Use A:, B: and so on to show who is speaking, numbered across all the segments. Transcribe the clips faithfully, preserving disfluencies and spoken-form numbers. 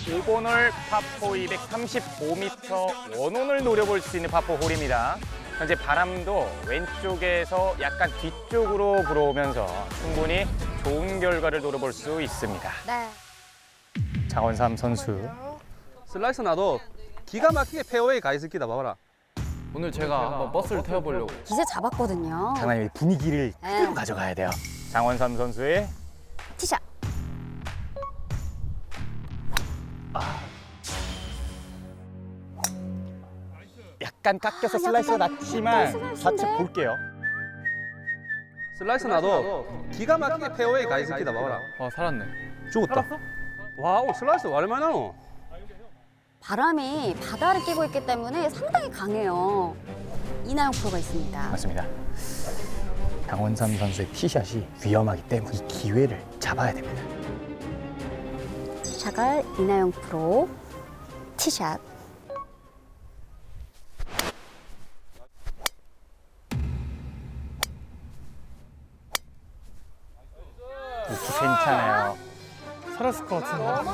A: 오 번 홀 파포 이백삼십오 미터 원혼을 노려볼 수 있는 파포 홀입니다. 현재 바람도 왼쪽에서 약간 뒤쪽으로 불어오면서 충분히 좋은 결과를 노려볼 수 있습니다.
B: 네.
A: 장원삼 선수.
C: 슬라이스 나도 기가 막히게 페어웨이 가 있을 기다 봐봐라.
D: 오늘 제가 한번 버스를 태워보려고.
B: 기세 잡았거든요.
A: 장관님이 분위기를
B: 네.
A: 그대로 가져가야 돼요. 장원삼 선수의
B: 티샷.
A: 약간 깎여서
B: 아,
A: 슬라이스가
B: 약간
A: 났지만
B: 슬라이스인데?
A: 좌측 볼게요.
C: 슬라이스 나도 기가 막히게 페어웨이 가 있을 기다 봐봐라.
D: 와, 살았네.
C: 죽었다. 와우, 슬라이스 얼마나 나노?
B: 바람이 바다를 끼고 있기 때문에 상당히 강해요. 이나영 프로가 있습니다.
A: 맞습니다. 장원삼 선수의 티샷이 위험하기 때문에 이 기회를 잡아야 됩니다.
B: 샤갈 이나영 프로 티샷.
A: 괜찮아요.
D: 살았을 것 같은데.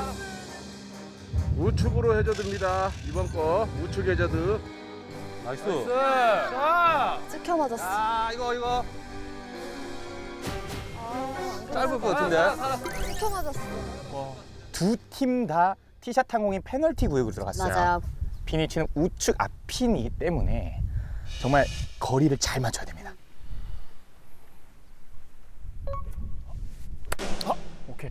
E: 우측으로 해저드입니다. 이번 거 우측 해저드.
C: 나이스.
B: 찍혀 맞았어.
C: 아, 이거 이거. 짧을 것 같은데.
B: 찍혀 맞았어.
A: 두 팀 다 티샷 항공인 페널티 구역으로 들어갔어요.
B: 맞아요.
A: 피니치는 우측 앞핀이기 때문에 정말 거리를 잘 맞춰야 됩니다.
D: 오케이.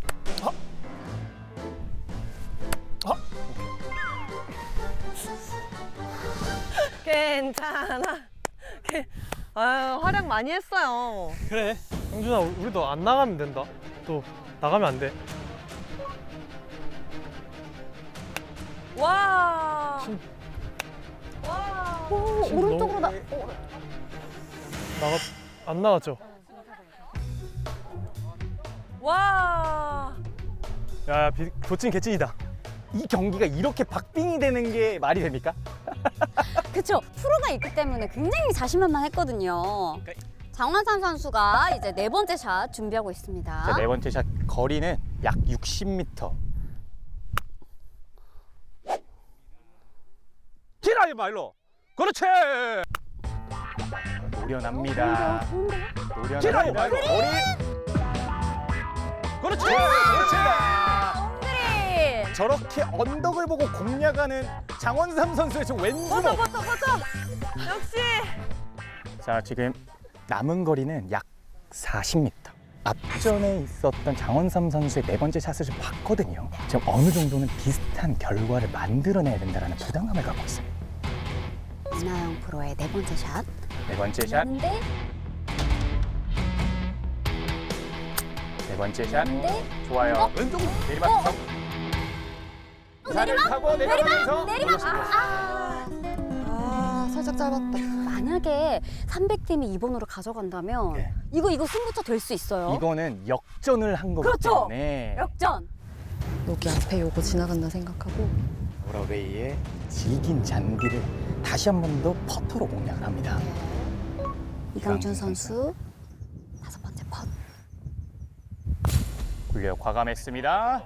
F: 괜찮아. 괜- 아유, 활약 많이 했어요.
G: 그래, 형준아, 우리도 안 나가면 된다. 또 나가면 안 돼.
F: 와.
B: 오, 오른쪽으로 나. 오,
G: 나가 안 나갔죠?
F: 와.
G: 야, 야 비, 도찐 개찐이다.
A: 이 경기가 이렇게 박빙이 되는 게 말이 됩니까?
B: 그쵸. 프로가 있기 때문에 굉장히 자신만만했거든요. 장원삼 선수가 이제 네 번째 샷 준비하고 있습니다.
A: 자, 네 번째 샷 거리는 약 육십 미터.
C: 기라 이 말로. 그렇지.
A: 노련합니다.
B: 좋은데요?
C: 기라 이
A: 노련합니다.
C: 말로.
A: 거리.
C: 그렇지.
A: 그렇지.
B: 엉그린.
A: 저렇게 언덕을 보고 공략하는 장원삼 선수의 저 왼주먹.
F: 버터, 버터, 버터. 역시.
A: 자, 지금 남은 거리는 약 사십 미터. 앞전에 있었던 장원삼 선수의 네 번째 샷을 좀 봤거든요. 지금 어느 정도는 비슷한 결과를 만들어내야 된다는 부담감을 갖고 있어요.
B: 이나영 프로의 네 번째 샷.
A: 네 번째 샷,
B: 근데
A: 네 번째 샷.
B: 근데
A: 좋아요.
B: 어?
A: 왼쪽으로 내리막. 산을 타고 내려가면서
B: 내리막. 아,
F: 아, 살짝 짧았다.
B: 만약에 삼백 팀이 이 번으로 가져간다면
A: 네.
B: 이거 이거 승부처 될 수 있어요.
A: 이거는 역전을 한 거기
B: 그렇죠.
A: 때문에
B: 역전.
F: 여기 앞에 요거 지나간다 생각하고.
A: 오러웨이의 질긴 잔디를 다시 한 번 더 퍼터로 공략을 합니다.
B: 이강준 선수 다섯 번째 펀.
A: 굴려 과감했습니다.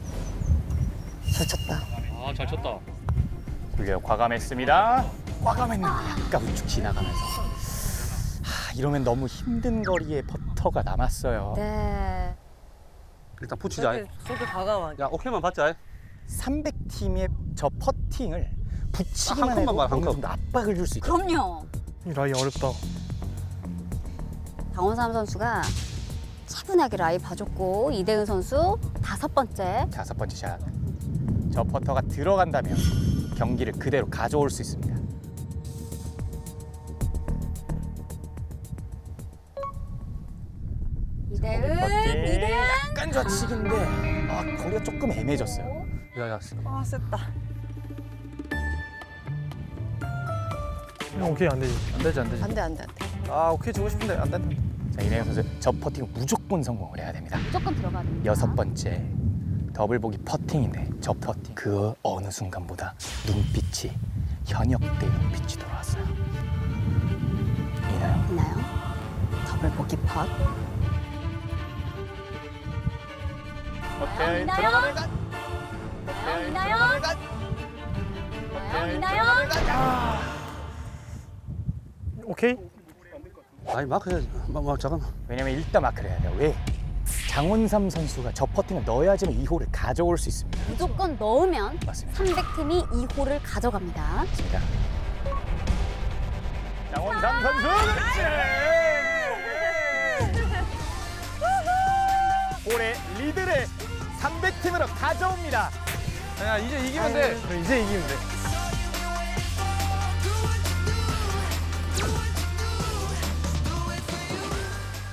F: 잘 쳤다.
D: 아, 잘 쳤다.
A: 굴려 과감했습니다. 과감했는데 약간 우측 지나가면서. 하, 이러면 너무 힘든 거리에 퍼터가 남았어요.
B: 네.
C: 일단 붙이자.
F: 저렇게, 저렇게 과감하게.
C: 야, 오케이만 받자.
A: 삼백 팀의 저 퍼팅을 붙이기만
C: 한
A: 해도
C: 컵만 봐, 한
A: 어느
C: 컵.
A: 정도 압박을 줄 수 있거든요.
B: 그럼요.
G: 이 라이 어렵다.
B: 장원삼 선수가 차분하게 라이 봐줬고 이대은 선수 다섯 번째.
A: 다섯 번째 샷. 저 퍼터가 들어간다면 경기를 그대로 가져올 수 있습니다.
B: 이대은,
A: 퍼팅.
B: 이대은.
A: 약간 좌측인데 아, 거리가 조금 애매해졌어요.
C: 야, 야.
F: 아, 셌다.
G: 형, 오케이, 안 되지.
D: 안 되지, 안 되지.
F: 안 돼, 안 돼, 안 돼.
D: 아, 오케이 주고 싶은데 안 된다.
A: 자, 이내영 선수 저 퍼팅 무조건 성공을 해야 됩니다.
B: 무조건 들어가야 됩니다.
A: 여섯 번째 더블 보기 퍼팅인데 저 퍼팅 그 어느 순간보다 눈빛이 현역대 눈빛이 돌아왔어요. 이나영
B: 있나요? 더블 보기 펫.
A: 오케이
B: 이나영?
A: 들어가면
B: 이나영? 이나영, 이나영. 이나영, 이나영.
D: 오케이.
C: 아니 마크 해야지. 마, 마, 잠깐만.
A: 왜냐면 일단 마크를 해야 돼요. 왜? 장원삼 선수가 저 퍼팅을 넣어야지만 이 홀을 가져올 수 있습니다.
B: 무조건 넣으면
A: 맞습니다.
B: 삼백 팀이 이 홀을 가져갑니다.
A: 맞습니다. 장원삼 선수 그렇지! 올해 리드를 삼백 팀으로 가져옵니다.
C: 야 이제 이기면 돼.
D: 그래, 이제 이기면 돼.